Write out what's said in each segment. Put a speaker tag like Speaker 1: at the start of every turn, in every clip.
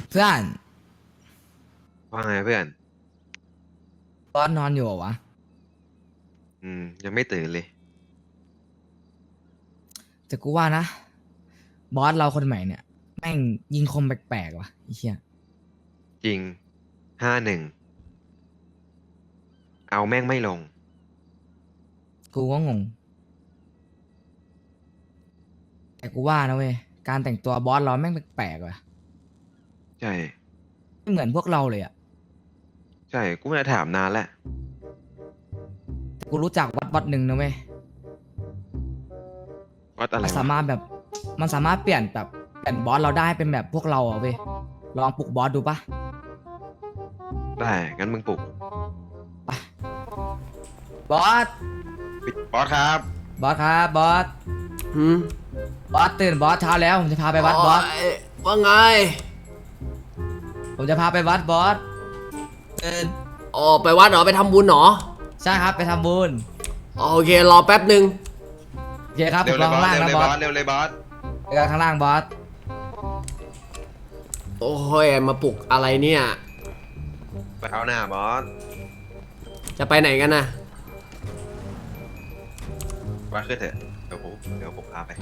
Speaker 1: เพื่อน
Speaker 2: ว่าไงเพื่อน
Speaker 1: บอสนอนอยู่เหรอวะ
Speaker 2: ยังไม่ตื่นเลย
Speaker 1: แต่กูว่านะบอสเราคนใหม่เนี่ยแม่งยิงคมแปลกๆว่ะไอ้เหี้ย
Speaker 2: จริง51เอาแม่งไม่ลง
Speaker 1: กูก็งงแต่กูว่านะเว้ยการแต่งตัวบอสเราแม่งแปลกๆว่ะ
Speaker 2: ใช่
Speaker 1: ไม่เหมือนพวกเราเลยอ่ะ
Speaker 2: ใช่กูไม่ได้ถามนานแล้ว
Speaker 1: แต่กูรู้จักวัดหนึ่งนะเว้ย
Speaker 2: วัดอะไร
Speaker 1: มันสา
Speaker 2: วะ
Speaker 1: มารถแบบมันสามารถเปลี่ยนแบบเปลี่ยนบอสเราได้เป็นแบบพวกเราอ่ะเว้ยลองปลุกบอสดูปะ
Speaker 2: ได้งั้นมึงปลุก
Speaker 1: บอส
Speaker 2: บอสครับ
Speaker 1: บอสครับบอส
Speaker 3: หืม
Speaker 1: บอสตื่นบอสเช้าแล้วผมจะพาไปวัดบอส
Speaker 3: ว่าไง
Speaker 1: ผมจะพาไปวัดบอสตื่น
Speaker 3: อ๋อไปวัดเหรอไปทำบุญเหรอ
Speaker 1: ใช่ครับไปทำบุญ
Speaker 3: โอเครอแป๊บหนึ่ง
Speaker 1: โอเคครับผ
Speaker 2: เร็ว
Speaker 1: ม
Speaker 2: เล
Speaker 1: ร
Speaker 2: ย
Speaker 1: อบ
Speaker 2: อ
Speaker 1: ข้าง
Speaker 2: ส
Speaker 1: ล่าง
Speaker 2: เร็ว
Speaker 1: นะ
Speaker 2: เลย
Speaker 1: บบ อ
Speaker 2: อ
Speaker 1: ส
Speaker 2: สเร็วเลยบอส
Speaker 1: เจอกันข้างล่างบอส
Speaker 3: โอ้ยมาปลุกอะไรเนี่ย
Speaker 2: ไปเอาหน้าบอส
Speaker 3: จะไปไหนกันนะ
Speaker 2: บอสขึ้นเถอะเดี๋ยวผมพาไป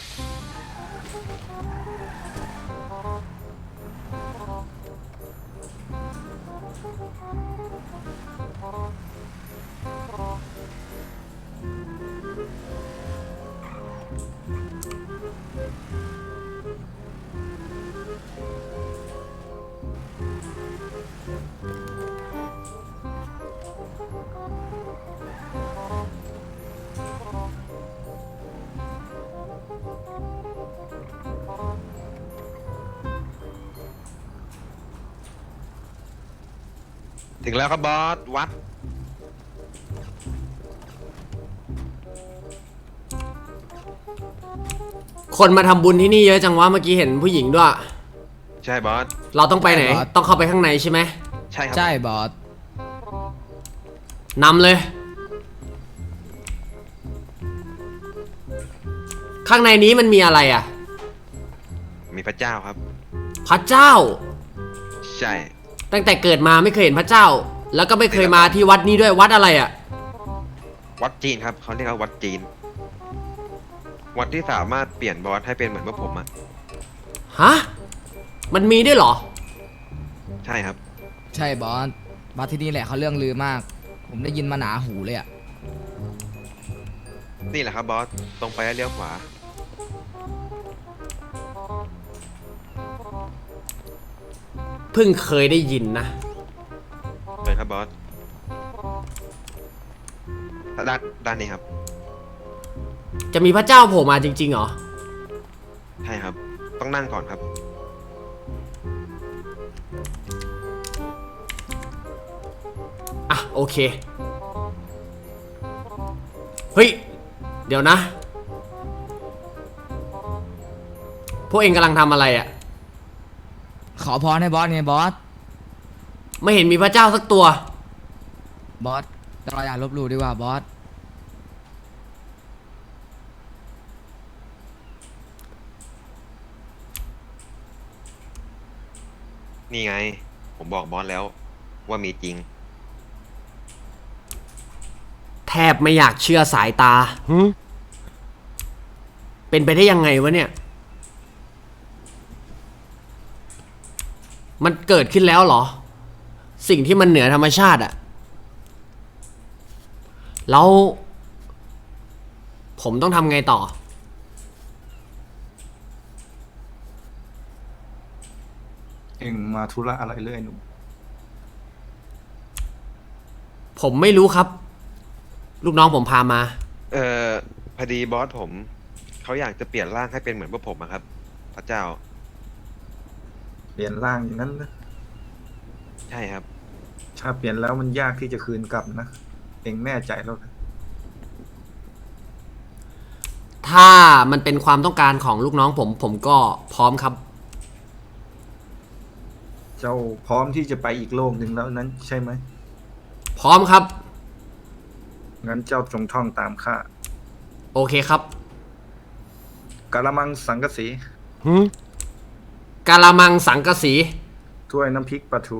Speaker 2: ถึงแล้วครับบอสวัด
Speaker 3: คนมาทำบุญที่นี่เยอะจังวะเมื่อกี้เห็นผู้หญิงด้วย
Speaker 2: ใช่บอส
Speaker 3: เราต้องไปไหน
Speaker 1: ใช่บอส
Speaker 3: ต้องเข้าไปข้างในใช่ไหม
Speaker 2: ใช่ครับ
Speaker 1: ใช่บอส
Speaker 3: นำเลย ข้างในนี้มันมีอะไรอ่ะ
Speaker 2: มีพระเจ้าครับ
Speaker 3: พระเจ้า
Speaker 2: ใช่
Speaker 3: ตั้งแต่เกิดมาไม่เคยเห็นพระเจ้า แล้วก็ไม่เคยมาที่วัดนี้ด้วยวัดอะไรอ่ะ
Speaker 2: วัดจีนครับเขาเรียกว่าวัดจีนวัดที่สามารถเปลี่ยนบอสให้เป็นเหมือนพวกผมอะ
Speaker 3: ฮะมันมีด้วยเหรอ
Speaker 2: ใช่ครับ
Speaker 1: ใช่บอสบอสที่นี่แหละเขาเรื่องลือมาก ผมได้ยินมาหนาหูเลยอ่ะ
Speaker 2: นี่แหละครับบอสตรงไปแล้วเลี้ยวขวา
Speaker 3: เพิ่งเคยได้ยินนะ
Speaker 2: เลยครับบอสด้านนี้ครับ
Speaker 3: จะมีพระเจ้าโผล่มาจริงๆเหรอ
Speaker 2: ใช่ครับต้องนั่งก่อนครับ
Speaker 3: อ่ะโอเคเฮ้ยเดี๋ยวนะพวกเองกำลังทำอะไรอ่ะ
Speaker 1: ขอพรให้บอสไงบอส
Speaker 3: ไม่เห็นมีพระเจ้าสักตัว
Speaker 1: บอสเราอย่าลบหลู่ดีกว่าบอส
Speaker 2: นี่ไงผมบอกบอสแล้วว่ามีจริง
Speaker 3: แทบไม่อยากเชื่อสายตาเป็นไปได้ยังไงวะเนี่ยมันเกิดขึ้นแล้วเหรอสิ่งที่มันเหนือธรรมชาติอะแล้วผมต้องทำไงต่อ
Speaker 4: เอ็งมาธุระอะไรเรื่อยหนู
Speaker 3: ผมไม่รู้ครับลูกน้องผมพามา
Speaker 2: เอ่อพอดีบอสผมเขาอยากจะเปลี่ยนร่างให้เป็นเหมือนพวกผมอะครับพระเจ้า
Speaker 4: เปลี่ยนร่างอย่างนั้นนะ
Speaker 2: ใช่ครับ
Speaker 4: ถ้าเปลี่ยนแล้วมันยากที่จะคืนกลับนะเอ็งแน่ใจแล้วนะ
Speaker 3: ถ้ามันเป็นความต้องการของลูกน้องผมก็พร้อมครับ
Speaker 4: เจ้าพร้อมที่จะไปอีกโลกหนึ่งแล้วนั้นใช่ไหม
Speaker 3: พร้อมครับ
Speaker 4: งั้นเจ้าจงท่องตามข้า
Speaker 3: โอเคครับ
Speaker 4: กะละมังสังกะสี
Speaker 3: กะละมังสังกะสี
Speaker 4: ถ้วยน้ำพริกปลาทู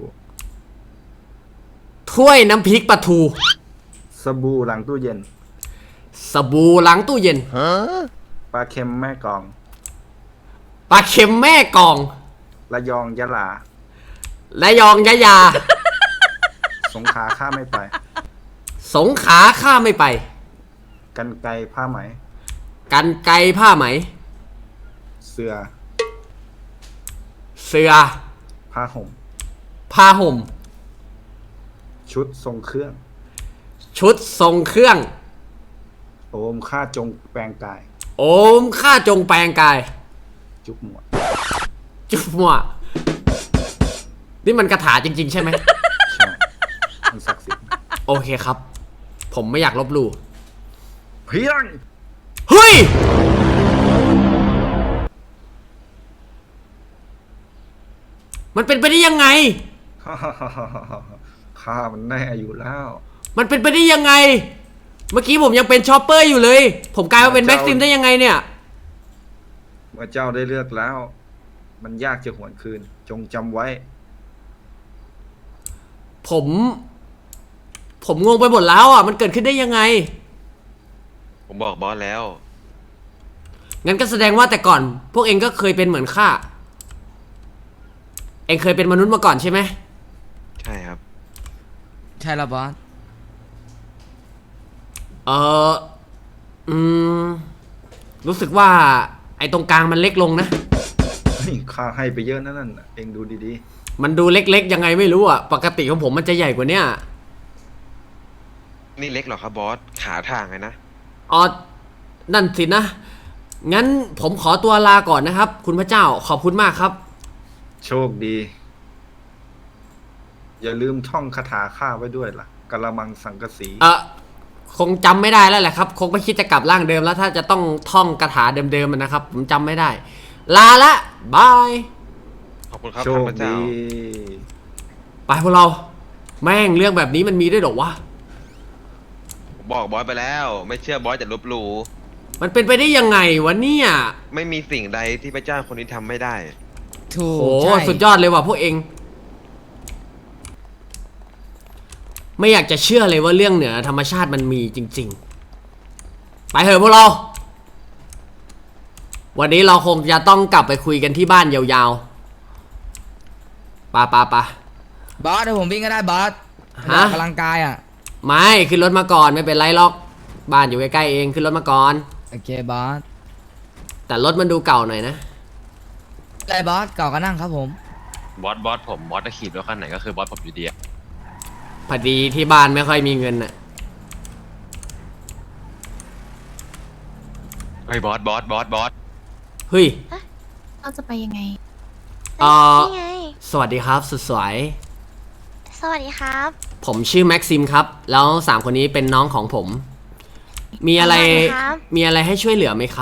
Speaker 3: ถ้วยน้ำพริกปลาทู
Speaker 4: สบู่หลังตู้เย็น
Speaker 3: สบู่ล้างตู้เย็น
Speaker 4: ปลาเค็มแม่กลอง
Speaker 3: ปลาเค็มแม่กอง
Speaker 4: ระยองยะลา
Speaker 3: และยองยะยา
Speaker 4: สงขลาข้าไม่ไป
Speaker 3: สงขลาข้าไม่ไป
Speaker 4: กันไกรผ้าไหม
Speaker 3: กันไกรผ้าไหม
Speaker 4: เสือ
Speaker 3: เสือ
Speaker 4: ผ้าห่ม
Speaker 3: ผ้าห่ม
Speaker 4: ชุดทรงเครื่อง
Speaker 3: ชุดทรงเครื่อง
Speaker 4: โอมข้าจงแปลงกาย
Speaker 3: โอมข้าจงแปลงกาย
Speaker 4: จุกหมวด
Speaker 3: จุ๊บมัวนี่มันคาถาจริง ๆ ใช่ไหม
Speaker 4: ใช่มันศักดิ์สิทธิ์
Speaker 3: โอเคครับ ผมไม่อยากลบหลู่
Speaker 4: เพียง
Speaker 3: เฮ้ย มันเป็นไปได้ยังไง
Speaker 4: ข้ามันแน่อยู่แล้ว
Speaker 3: มันเป็นไปได้ยังไง เมื่อกี้ผมยังเป็นชอปเปอร์อยู่เลย ผมกลายมาเป็นแม็กซิมได้ยังไงเนี่ย
Speaker 4: เมื่อเจ้าได้เลือกแล้ว มันยากจะหวนคืน จงจำไว้
Speaker 3: ผมงงไปหมดแล้วอ่ะ มันเกิดขึ้นได้ยังไง
Speaker 2: ผมบอกบอสแล้ว
Speaker 3: งั้นก็แสดงว่าแต่ก่อน พวกเองก็เคยเป็นเหมือนข้า เองเคยเป็นมนุษย์มาก่อนใช่ไหม
Speaker 2: ใช่ครับ
Speaker 1: ใช่แล้วบอส
Speaker 3: เอออืม รู้สึกว่าไอ้ตรงกลางมันเล็กลงนะ
Speaker 4: เฮ้ยข้าให้ไปเยอะนั่นน่ะ เองดูดี
Speaker 3: มันดูเล็กๆยังไงไม่รู้อ่ะ ปกติของผมมันจะใหญ่กว่าเนี้ย
Speaker 2: นี่เล็กเหรอครับบอส ขาทางไงนะ
Speaker 3: อ๋อ นั่นสินะ งั้นผมขอตัวลาก่อนนะครับ คุณพระเจ้า ขอบคุณมากครับ
Speaker 4: ๆ โชคดี อย่าลืมท่องคาถาข้าไว้ด้วยล่ะกะละมังสังกะสี
Speaker 3: คงจำไม่ได้แล้วแหละครับ คงไม่คิดจะกลับร่างเดิมแล้วถ้าจะต้องท่องคาถาเดิมๆมันนะครับ ผมจำไม่ได้ ลาละบาย
Speaker 2: ขอบคุณครับ
Speaker 4: โช
Speaker 2: ท่าน
Speaker 4: ค
Speaker 2: พระเจ้า
Speaker 4: ดี
Speaker 3: ไปพวกเรา แม่งเรื่องแบบนี้มันมีด้วยเหรอวะ
Speaker 2: ผมบอกบอสไปแล้ว ไม่เชื่อบอสจะลบหลู่
Speaker 3: มันเป็นไปได้ยังไงวะเนี่ย
Speaker 2: ไม่มีสิ่งใดที่พระเจ้าคนนี้ทำไม่ได้
Speaker 1: ถู
Speaker 3: โอ้
Speaker 1: ก
Speaker 3: โห
Speaker 1: ใช่
Speaker 3: สุดยอดเลยว่ะพวกเอง ไม่อยากจะเชื่อเลยว่าเรื่องเหนือธรรมชาติมันมีจริง ๆ ไปเถอะพวกเรา วันนี้เราคงจะต้องกลับไปคุยกันที่บ้านยาวๆปะ
Speaker 1: บอสเดี๋ยวผมวิ่งก็ได้บอส
Speaker 3: ฮะ
Speaker 1: ออกกำลังกายอ่ะ
Speaker 3: ไม่ขึ้นรถมาก่อนไม่เป็นไรหรอก บ้านอยู่ใกล้ๆเองขึ้นรถมาก่อน
Speaker 1: โอเคบอส
Speaker 3: แต่รถมันดูเก่าหน่อยนะ
Speaker 1: ได้บอสเก่าก็นั่งครับผม
Speaker 5: บอสผมบอสจะขี่รถคันไหนก็คือบอสผมอยู่ดีอะ
Speaker 3: พอดีที่บ้านไม่ค่อยมีเงินน่ะ
Speaker 5: เฮ้ยบอส
Speaker 3: เฮ้ย
Speaker 6: เราจะไปยังไง
Speaker 7: นี่ไง
Speaker 3: สวัสดีครับสุดสวย
Speaker 7: สวัสดีครับ
Speaker 3: ผมชื่อแม็กซิมครับ แล้ว3คนนี้เป็นน้องของผม มีอะไร
Speaker 7: สวัสดีครับ
Speaker 3: มีอะไรให้ช่วยเหลือไหมครับ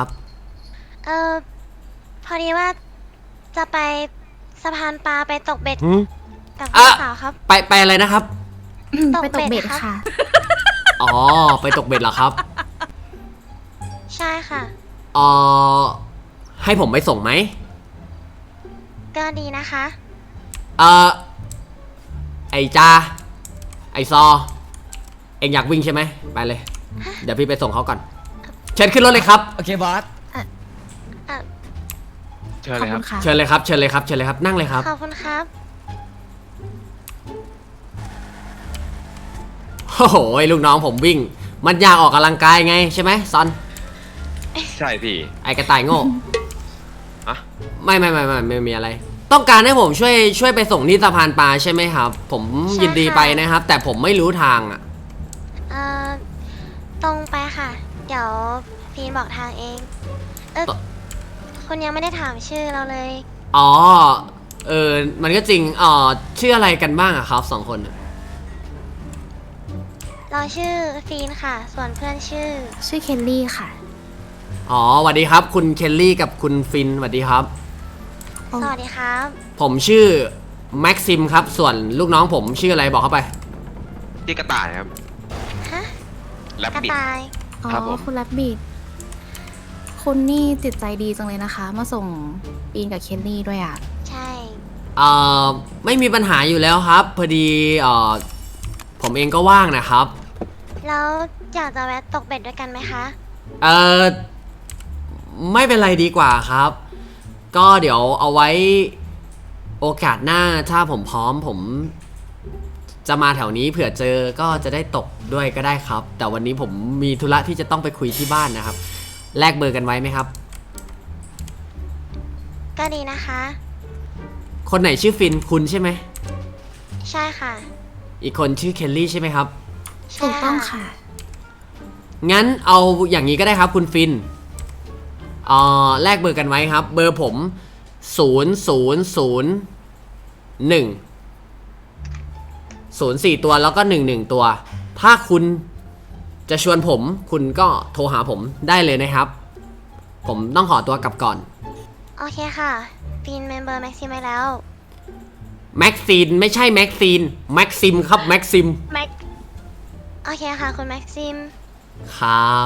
Speaker 7: พอดีว่าจะไปสะพานปลาไปตกเบ็ดกับ
Speaker 3: อ่ะ
Speaker 7: พี่สาวครับ
Speaker 3: ไปอะไรนะครับ
Speaker 6: ไปตกเบ็ด
Speaker 7: ครับ
Speaker 6: ค่ะ
Speaker 3: อ๋อ ไปตกเบ็ดเหรอครับ
Speaker 7: ใช่ค่ะ
Speaker 3: เออให้ผมไปส่งไหม
Speaker 7: ก็ดีนะคะ
Speaker 3: เออไอจาไอซอ เอ็งอยากวิ่งใช่ไหมไปเลย เดี๋ยวพี่ไปส่งเขาก่อน เชิญขึ้นรถเลยครับ
Speaker 1: โอเคบอส
Speaker 5: เชิญ
Speaker 6: ข
Speaker 5: เล
Speaker 6: อบ
Speaker 5: ยค
Speaker 6: คุ
Speaker 5: รับ
Speaker 6: ณค่ะ
Speaker 3: เชิญเลยครับ เชิญเลยครับ เชิญเลยครับ นั่งเลยครับ
Speaker 7: ขอบคุณครับ
Speaker 3: โอ้โหลูกน้องผมวิ่ง มันอยากออกกำลังกายไงใช่ไหมซอน
Speaker 5: ใช่พี่
Speaker 3: ไอกระต่ายโง่
Speaker 5: อะ
Speaker 3: ไม่มีอะไร ต้องการให้ผมช่วยไปส่งที่สะพานปลาใช่ไหมครับ ผม
Speaker 7: ใช่
Speaker 3: ยินดี
Speaker 7: ค่ะ
Speaker 3: ไปนะครับ แต่ผมไม่รู้ทางอ่ะ
Speaker 7: ตรงไปค่ะ เดี๋ยวฟีนบอกทางเอง
Speaker 3: ต่อ
Speaker 7: คุณยังไม่ได้ถามชื่อเราเลย
Speaker 3: อ๋อ มันก็จริงชื่ออะไรกันบ้างอะครับ2 คนอะ
Speaker 7: เราชื่อฟีนค่ะ ส่วนเพื่อนชื่อ
Speaker 6: ชื่อเคลลี่ค่ะ
Speaker 3: อ๋อสวัสดีครับ คุณเคลลี่กับคุณฟินสวัสดีครับ
Speaker 7: สวัสดีครับ
Speaker 3: ผมชื่อแม็กซิมครับ ส่วนลูกน้องผมชื่ออะไรบอกเข้าไป
Speaker 2: ที่กระต่ายครับ
Speaker 7: ฮะ
Speaker 2: แรป
Speaker 7: กระ
Speaker 2: ปิด
Speaker 7: ต่าย
Speaker 6: อ๋อ
Speaker 2: ครับผม
Speaker 6: คุณแรบบิทคุณนี่จิตใจดีจังเลยนะคะ มาส่งปีนกับเคลลี่ด้วยอ่ะ
Speaker 7: ใช่
Speaker 3: เอ่อไม่มีปัญหาอยู่แล้วครับ พอดีผมเองก็ว่างนะครับ
Speaker 7: แล้วอยากจะแวะตกเบ็ดด้วยกันไหมคะ
Speaker 3: เอ่อไม่เป็นไรดีกว่าครับ ก็เดี๋ยวเอาไว้โอกาสหน้าถ้าผมพร้อมผมจะมาแถวนี้เผื่อเจอก็จะได้ตกด้วยก็ได้ครับ แต่วันนี้ผมมีธุระที่จะต้องไปคุยที่บ้านนะครับแลกเบอร์กันไว้ไหมครับ
Speaker 7: ก็ดีนะคะ
Speaker 3: คนไหนชื่อฟินคุณใช่ไหม
Speaker 7: ใช่ค่ะ
Speaker 3: อีกคนชื่อเคลลี่ใช่ไหมครับ
Speaker 7: ใช่
Speaker 6: ถูกต้องค่ะ
Speaker 3: งั้นเอาอย่างนี้ก็ได้ครับคุณฟินแลกเบอร์กันไว้ครับ เบอร์ผม000104ตัวแล้วก็11ตัว ถ้าคุณจะชวนผมคุณก็โทรหาผมได้เลยนะครับ ผมต้องขอตัวกลับก่อน
Speaker 7: โอเคค่ะฟินเมมเบอร์แม็กซิมไว้แล้ว
Speaker 3: แม็กซีนไม่ใช่แม็กซีนแม็กซิมครับแม็กซิม
Speaker 7: แม็กโอเคค่ะคุณแม็กซิม
Speaker 3: ครับ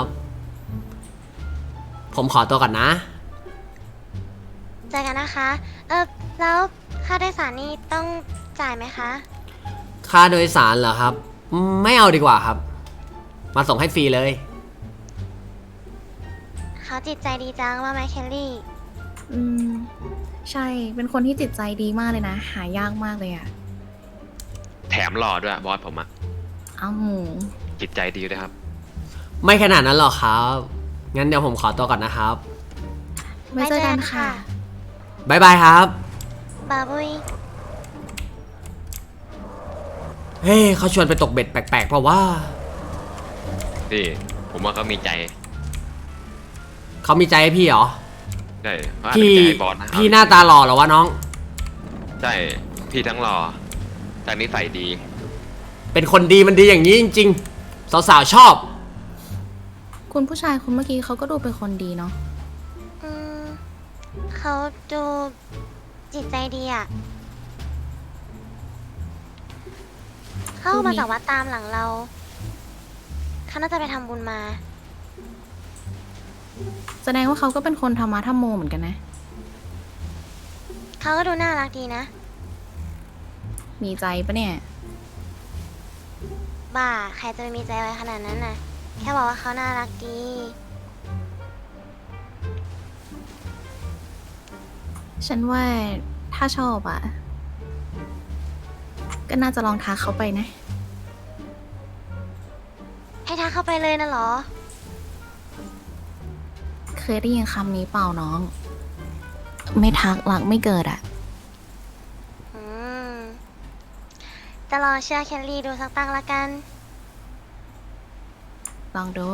Speaker 3: ผมขอตัวก่อนนะ
Speaker 7: เจอกันนะคะ แล้วค่าโดยสารนี่ต้องจ่ายไหมคะ
Speaker 3: ค่าโดยสารเหรอครับ ไม่เอาดีกว่าครับ มาส่งให้ฟรีเลย
Speaker 7: เขาจิตใจดีจังว่าไหมเคลลี่
Speaker 6: อืม ใช่ เป็นคนที่จิตใจดีมากเลยนะ หายากมากเลยอะ
Speaker 5: แถมหล่อด้วยบอสผมอะ
Speaker 6: เอ้า
Speaker 5: จิตใจดีด้วยครับ
Speaker 3: ไม่ขนาดนั้นหรอกครับ งั้นเดี๋ยวผมขอตัวก่อนนะครับ
Speaker 6: ไว้เจอกันค่ะ
Speaker 3: บ๊ายบายครับ
Speaker 7: บาบุย
Speaker 3: เฮ้ยเขาชวนไปตกเบ็ดแปลกๆเพราะว่า
Speaker 5: นี่ ผมว่าเขามีใจ
Speaker 3: เขามีใจให้พี่เหรอ
Speaker 5: ใช่เขาอาจจะ
Speaker 3: พี่
Speaker 5: มีใจให้บอสนะ
Speaker 3: พี่หน้าตาหล่อเหรอวะน้อง
Speaker 5: ใช่ พี่ทั้งหล่อทั้งนิสัยดี
Speaker 3: เป็นคนดีมันดีอย่างนี้จริงๆ สาวๆชอบ
Speaker 6: คุณผู้ชายคนเมื่อกี้เขาก็ดูเป็นคนดีเนาะ
Speaker 7: อืมเขาดูจิตใจดีอ่ะ เข้ามาจากวัดตามหลังเราเขาน่าจะไปทำบุญมา
Speaker 6: แสดงว่าเขาก็เป็นคนธรรมะธรรมโมเหมือนกันนะ
Speaker 7: เขาก็ดูน่ารักดีนะ
Speaker 6: มีใจปะเนี่ย
Speaker 7: บ้า ใครจะไปมีใจไว้ขนาดนั้นน่ะ แค่บอกว่าเขาน่ารักดี
Speaker 6: ฉันว่าถ้าชอบอะก็น่าจะลองทักเขาไปนะ
Speaker 7: ให้ทักเข้าไปเลยนะเหรอ
Speaker 6: เคยได้ยินคำนี้เปล่าน้อง ไม่ทักหลักไม่เกิดอะ
Speaker 7: อืม จะรอเชื่อเคลลี่ดูสักตั้งละกัน
Speaker 6: ลองดู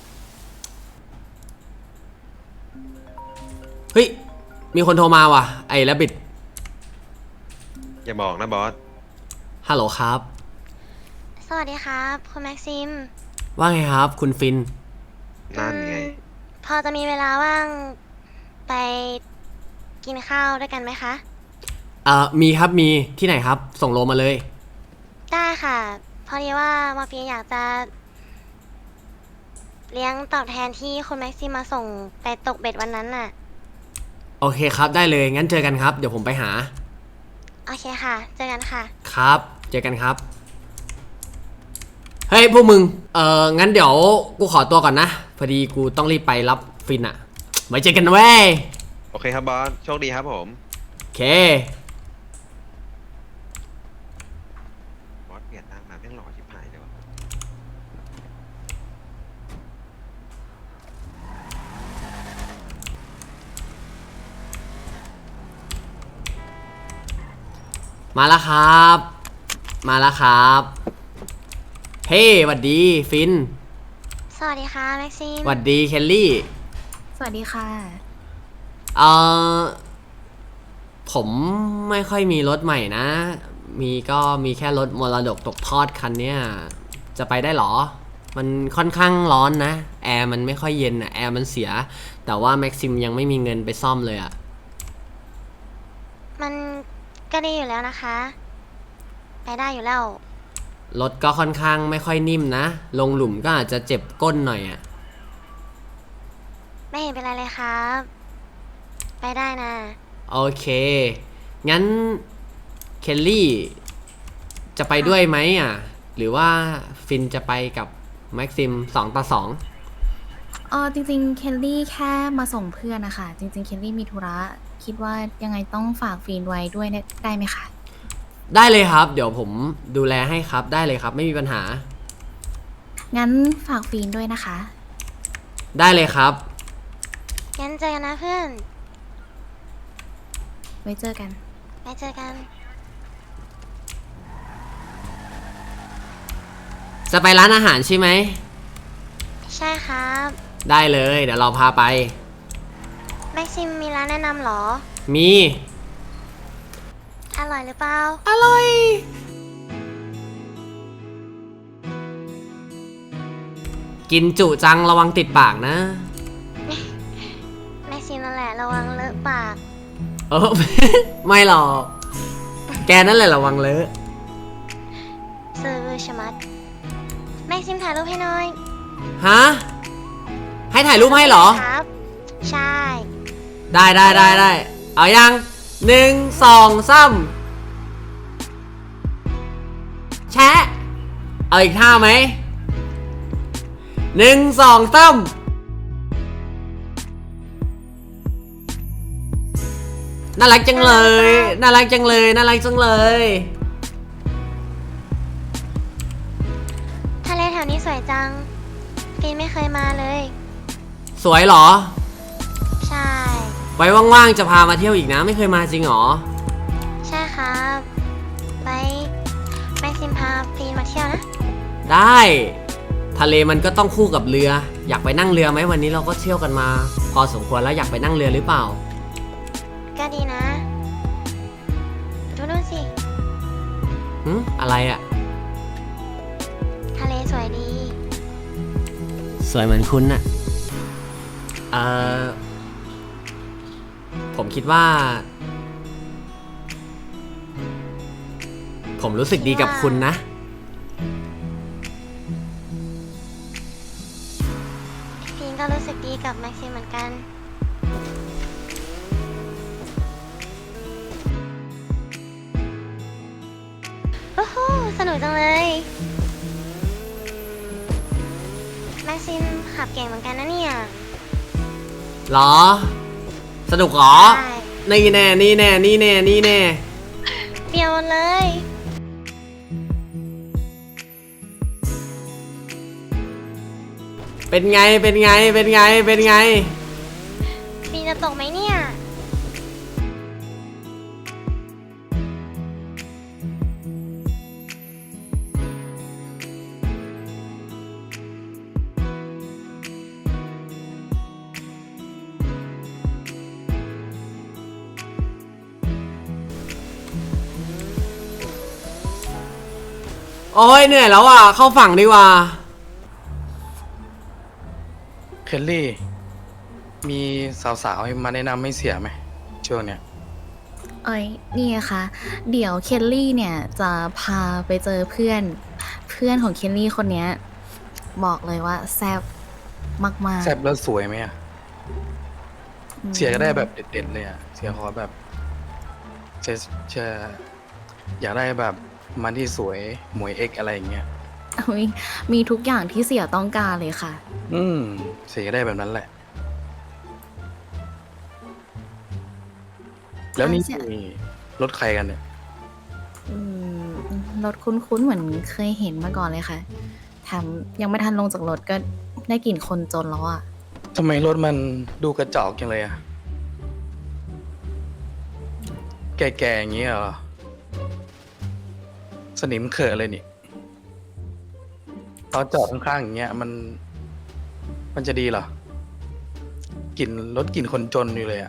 Speaker 3: เฮ้ย มีคนโทรมาว่ะ ไอ้แรบบิท
Speaker 2: อย่าบอกนะบอส
Speaker 3: ฮัลโหลครับ
Speaker 7: สวัสดีครับ คุณแม็กซิม
Speaker 3: ว่าไงครับ คุณฟิน
Speaker 2: นั่นไง
Speaker 7: พอจะมีเวลาว่างไปกินข้าวด้วยกันไหมคะ
Speaker 3: มีครับ มีที่ไหนครับ ส่งโลมาเลย
Speaker 7: ได้ค่ะ พอดีว่ามาเฟียอยากจะ เลี้ยงตอบแทนที่คุณแม็กซิมมาส่งไปตกเบ็ดวันนั้นน่ะ
Speaker 3: โอเคครับ ได้เลย งั้นเจอกันครับ เดี๋ยวผมไปหา
Speaker 7: โอเคค่ะ เจอกันค่ะ
Speaker 3: ครับ เจอกันครับ เฮ้ยพวกมึง งั้นเดี๋ยวกูขอตัวก่อนนะ พอดีกูต้องรีบไปรับฟินอะไว้เจอกันนะเว้ย
Speaker 2: โอเคครับบอส โชคดีครับผม
Speaker 3: โอเค
Speaker 2: บอสเปลี่ยนหน้ามาแม่งหล่อชิบหายเลยวะ
Speaker 3: มาแล้วครับ มาแล้วครับ เฮ้หวัดดีฟิน
Speaker 7: สวัสดีค่ะแม็กซิม
Speaker 3: หวัดดีเคลลี่
Speaker 6: สวัสดีค่ะ
Speaker 3: ผมไม่ค่อยมีรถใหม่นะ มีแค่รถมรดกตกทอดคันเนี้ย จะไปได้หรอ มันค่อนข้างร้อนนะ แอร์มันไม่ค่อยเย็นอะแอร์มันเสีย แต่ว่าแม็กซิมยังไม่มีเงินไปซ่อมเลยอะ
Speaker 7: มันก็ดีอยู่แล้วนะคะ ไปได้อยู่แล้ว
Speaker 3: รถก็ค่อนข้างไม่ค่อยนิ่มนะ ลงหลุมก็อาจจะเจ็บก้นหน่อยอะ
Speaker 7: ไม่เห็นเป็นไรเลยครับ ไปได้นะ
Speaker 3: โอเค งั้นเคลลี่จะไปด้วยไหมอ่ะ หรือว่าฟินจะไปกับแม็กซิม2 ต่อ 2
Speaker 6: จริงๆเคลลี่แค่มาส่งเพื่อนนะคะ จริงๆเคลลี่มีธุระคิดว่ายังไงต้องฝากฟีนไว้ด้วยเนี่ยได้ไหมคะ
Speaker 3: ได้เลยครับ เดี๋ยวผมดูแลให้ครับได้เลยครับไม่มีปัญหา
Speaker 6: งั้นฝากฟีนด้วยนะคะ
Speaker 3: ได้เลยครับ
Speaker 7: งั้นเจอกันนะเพื่อน
Speaker 6: ไว้เจอกัน
Speaker 7: ไปเจอกัน
Speaker 3: จะไปร้านอาหารใช่ไหม
Speaker 7: ใช่ครับ
Speaker 3: ได้เลยเดี๋ยวเราพาไป
Speaker 7: แม็กซิมมีร้านแนะนำเหรอ
Speaker 3: มี
Speaker 7: อร่อยหรือเปล่า
Speaker 3: อร่อยกินจุจังระวังติดปากนะ
Speaker 7: แม็กซิมนั่นแหละระวังเลอะปาก
Speaker 3: เออ ไม่หรอก แกนั่นแหละระวังเลอะ
Speaker 7: ซื้อชะมัด แม็กซิมถ่ายรูปให้หน่อย
Speaker 3: ฮะ ให้ถ่ายรูปให้เหรอ
Speaker 7: ครับ ใช่
Speaker 3: ได้เอายัง1 2 3แชะ เอาอีกท่าไหม1 2 3น่ารักจังเลย น่ารักจังเลย น่ารักจังเลย
Speaker 7: ทะเลแถวนี้สวยจังฟีนไม่เคยมาเลย
Speaker 3: สวยเหรอ
Speaker 7: ใช่
Speaker 3: ไว้ว่างๆจะพามาเที่ยวอีกนะ ไม่เคยมาจริงเหรอ
Speaker 7: ใช่ครับไว้แม็กซิมพาฟีนมาเที่ยวนะ
Speaker 3: ได้ ทะเลมันก็ต้องคู่กับเรือ อยากไปนั่งเรือไหมวันนี้เราก็เที่ยวกันมา พอสมควรแล้วอยากไปนั่งเรือหรือเปล่า
Speaker 7: ก็ดีนะ ดูนู่นสิ
Speaker 3: อะไรอะ
Speaker 7: ทะเลสวยดี
Speaker 3: สวยเหมือนคุณน่ะ ผมคิดว่า ผมรู้สึกดีกับคุณนะ
Speaker 7: ฟีนก็รู้สึกดีกับแม็กซิมเหมือนกัน โอ้โห สนุกจังเลย แม็กซิมขับเก่งเหมือนกันนะเนี่ย
Speaker 3: หรอ สนุกหรอ
Speaker 7: ใช่
Speaker 3: นี่แน่ นี่แน่ นี่แน่ นี่แน่
Speaker 7: เปรียวหมดเลย
Speaker 3: เป็นไง เป็นไง เป็นไง เป็นไง
Speaker 7: ฟีนจะตกไหมเนี่ย
Speaker 3: โอ้ยเหนื่อยแล้วอ่ะ เข้าฝั่งดีกว่า
Speaker 8: เคลลี่ มีสาวๆมาแนะนำไม่เสียไหมช่วงเนี้ย
Speaker 6: นี่ค่ะ เดี๋ยวเคลลี่เนี่ยจะพาไปเจอเพื่อนของเคลลี่คนเนี้ยบอกเลยว่าแซ่บมากๆ
Speaker 8: แซ่บแล้วสวยไหมอะ
Speaker 6: อืม
Speaker 8: เสียก็ได้แบบเด็ดๆเลยอะเสียขอแบบจะอยากได้แบบมันที่สวยหมวยเอ็กอะไรอย่างเงี้ย
Speaker 6: อุ๊ยมีทุกอย่างที่เสี่ยต้องการเลยค่ะ
Speaker 8: เสียก็ได้แบบนั้นแหละ แล้วนี่
Speaker 6: เสีย
Speaker 8: มีรถใครกันเนี่ย
Speaker 6: อืมรถคุ้นๆเหมือนเคยเห็นมาก่อนเลยค่ะแถมยังไม่ทันลงจากรถก็ได้กลิ่นคนจนแล้วอ่ะ
Speaker 8: ทำไมรถมันดูกระจอกจังเลยอะแก่ๆอย่างเงี้ยเหรอ สนิมเขอะเลยนี่ตอนจอดข้างๆอย่างเงี้ยมันจะดีเหรอกลิ่นรถกลิ่นคนจนอยู่เลยอะ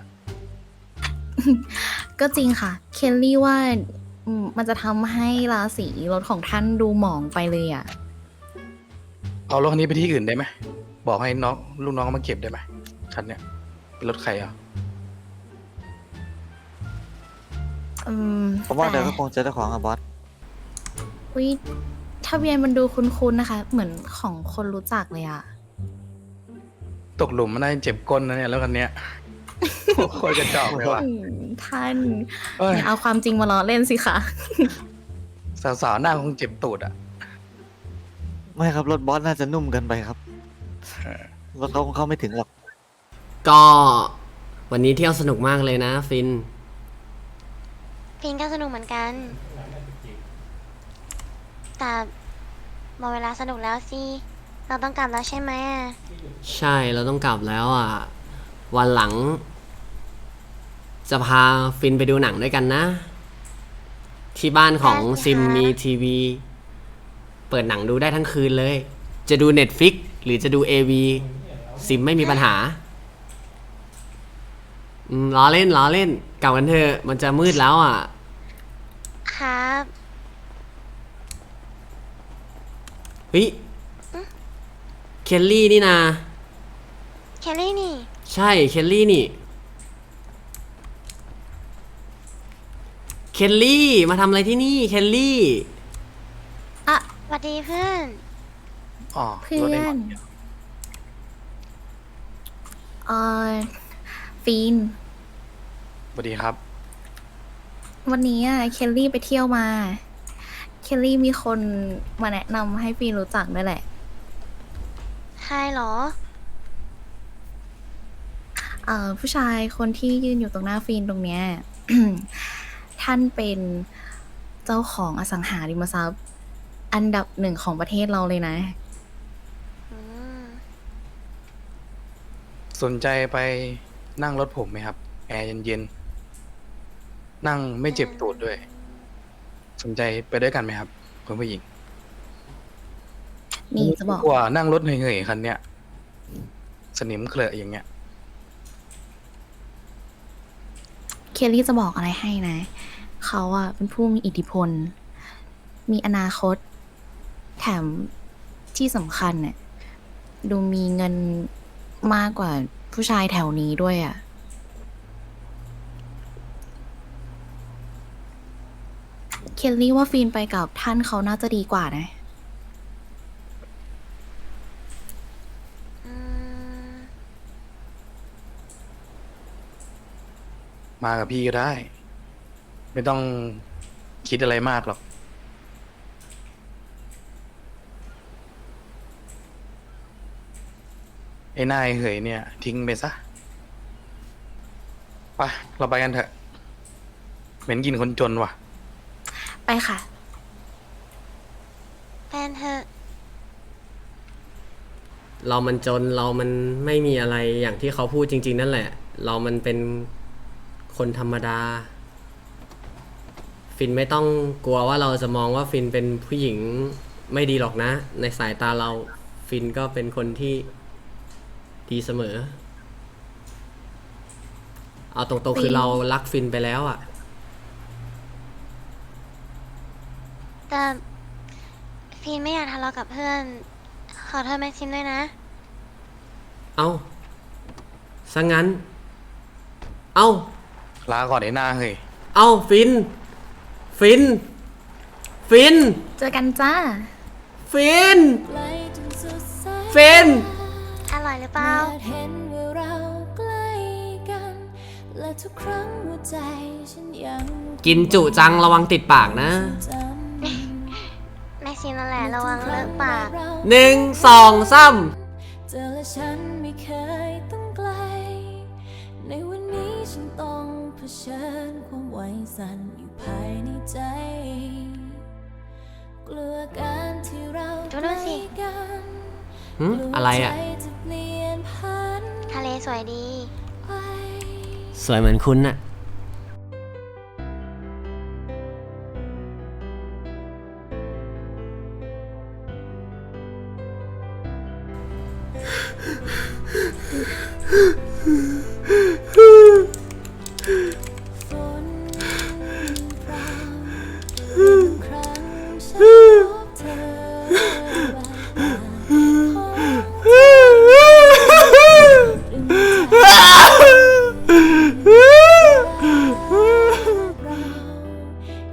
Speaker 6: ก็จริงค่ะ เคลลี่ว่ามันจะทำให้ราศีรถของท่านดูหมองไปเลยอ่ะ
Speaker 8: เอารถคันนี้ไปที่อื่นได้ไหมบอกให้น้องลูกน้องมาเก็บได้ไหมคันเนี้ยเป็นรถใครอ่ะ
Speaker 9: ผมว่าเดี๋ยวก็
Speaker 6: แต่
Speaker 9: คงเจอเจ้าของอะบอส
Speaker 6: อุ๊ยทะเบียนมันดูคุ้นๆนะคะ เหมือนของคนรู้จักเลยอ่ะ
Speaker 8: ตกหลุมมันน่าจะเจ็บก้นนะเนี่ยแล้วคันเนี้ยโคตรกระจอกเลยว่ะ
Speaker 6: ท่าน
Speaker 8: เอ้ย
Speaker 6: อย่าเอาความจริงมาล้อเล่นสิคะ
Speaker 8: สาวๆหน้าคงเจ็บตูดอ่ะ
Speaker 9: ไม่ครับ รถบอสน่าจะนุ่มเกินไปครับ รถเขาคงเข้าไม่ถึงหรอก
Speaker 3: ก็วันนี้เที่ยวสนุกมากเลยนะฟิน
Speaker 7: ฟินก็สนุกเหมือนกัน แต่หมดเวลาสนุกแล้วสิ เราต้องกลับแล้วใช่ไหมอะ
Speaker 3: ใช่เราต้องกลับแล้วอ่ะ วันหลัง จะพาฟินไปดูหนังด้วยกันนะ ที่บ้านของซิมมีทีวี เปิดหนังดูได้ทั้งคืนเลย จะดู Netflix หรือจะดู AV ซิมไม่มีปัญหาล้อเล่นกลับกันเถอะมันจะมืดแล้วอ่ะ
Speaker 7: ครับ
Speaker 3: เฮ้ยเคลลี่นี่นา
Speaker 7: แคลรี่นี่
Speaker 3: ใช่เคลลี่นี่เคลลี่มาทำอะไรที่นี่เคลลี่
Speaker 6: อ่ะ
Speaker 7: สวัสดีเพื่อน
Speaker 8: อ๋อ
Speaker 6: เพื่
Speaker 8: รถ
Speaker 6: อ
Speaker 8: ไอ้หม
Speaker 6: น
Speaker 8: อ
Speaker 6: เออฟีน
Speaker 8: สวัสดีครับ
Speaker 6: วันนี้อะเคลลี่ไปเที่ยวมา เคลลี่มีคนมาแนะนำให้ฟีนรู้จักด้วยแหละ
Speaker 7: ใครเหรอ
Speaker 6: ผู้ชายคนที่ยืนอยู่ตรงหน้าฟีนตรงเนี้ย ท่านเป็นเจ้าของอสังหาริมทรัพย์ อันดับหนึ่งของประเทศเราเลยนะ
Speaker 7: อืม
Speaker 8: สนใจไปนั่งรถผมไหมครับ แอร์เย็นๆ นั่งไม่เจ็บตูดด้วย สนใจไปด้วยกันไหมครับคุณผู้หญิง
Speaker 6: นี่จะบอก
Speaker 8: กว่านั่งรถเหนื่อยๆคันเนี้ยสนิมเคลอะอย่างเงี้ย
Speaker 6: เคลลี่จะบอกอะไรให้นะ เขาอะเป็นผู้มีอิทธิพล มีอนาคต แถมที่สำคัญเนี่ยดูมีเงินมากกว่าผู้ชายแถวนี้ด้วยอะเคลลี่ว่าฟีนไปกับท่านเขาน่าจะดีกว่านะ
Speaker 7: อืม
Speaker 8: มากับพี่ก็ได้ ไม่ต้องคิดอะไรมากหรอก ไอ้นายเหยเนี่ย ทิ้งไปซะ ไปเราไปกันเถอะ เหม็นกินคนจนว่ะ
Speaker 6: ไปค่ะ
Speaker 7: แฟนเธอะ
Speaker 3: เรามันจนเรามันไม่มีอะไรอย่างที่เขาพูดจริง ๆ นั่นแหละ เรามันเป็นคนธรรมดา ฟินไม่ต้องกลัวว่าเราจะมองว่าฟินเป็นผู้หญิงไม่ดีหรอกนะ ในสายตาเราฟินก็เป็นคนที่ดีเสมอ เอาตรงๆคือเรารักฟินไปแล้วอ่ะ
Speaker 7: แต่ฟีนไม่อยากทะเลาะกับเพื่อน ขอโทษแม็กซิมด้วยนะ
Speaker 3: เอาซะงั้น เอา
Speaker 8: ลาก่อนไอ้หน้าเฮ้ย
Speaker 3: เอาฟิน ฟิน
Speaker 6: เจอกันจ้า
Speaker 3: ฟิน ฟิน
Speaker 7: อร่อยหรือเปล่า
Speaker 10: เห็นว่าเราใกล้กัน และทุกครั้งหัวใจฉันยัง
Speaker 3: กินจุจังระวังติดปากนะ
Speaker 10: จำ
Speaker 7: แม็กซิมนั่นแหละระวังเลอะปาก
Speaker 3: 1 2 3
Speaker 10: เจอและฉันไม่เคยต้องไกล ในวันนี้ฉันต้องเผชิญความไหวสั่นอยู่ภายในใจ กลัวการที่เรา
Speaker 7: ดูนู่นสิ
Speaker 10: ใกล้กัน
Speaker 3: หึอะไรอ่ะ
Speaker 10: กลัวใจจะเปลี่ยนพัน
Speaker 7: ทะเลสวยดี
Speaker 10: ไป
Speaker 3: สวยเหมือนคุณน่ะ